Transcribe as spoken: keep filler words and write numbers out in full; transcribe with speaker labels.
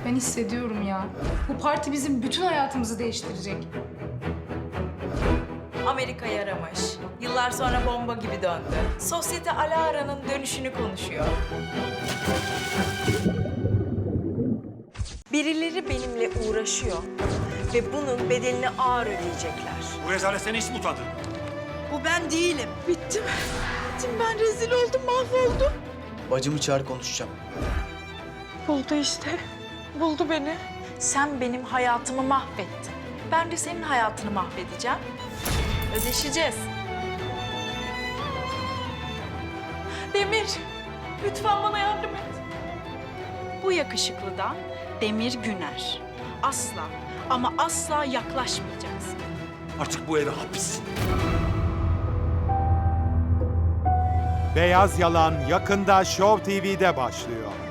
Speaker 1: Ben hissediyorum ya. Bu parti bizim bütün hayatımızı değiştirecek.
Speaker 2: Amerika yaramış. Yıllar sonra bomba gibi döndü. Sosyete Alara'nın dönüşünü konuşuyor. Birileri benimle uğraşıyor ve bunun bedelini ağır ödeyecekler.
Speaker 3: Bu rezalet seni hiç mi utandırmıyor?
Speaker 2: Bu ben değilim. Bittim. Bittim ben, rezil oldum, mahvoldum.
Speaker 4: Bacımı çağır, konuşacağım.
Speaker 2: Buldu işte. Buldu beni. Sen benim hayatımı mahvettin. Ben de senin hayatını mahvedeceğim. Ödeşeceğiz. Demir, lütfen bana yardım et. Bu yakışıklıdan Demir Güner. Asla ama asla yaklaşmayacaksın.
Speaker 3: Artık bu eve hapis.
Speaker 5: Beyaz Yalan yakında Show T V'de başlıyor.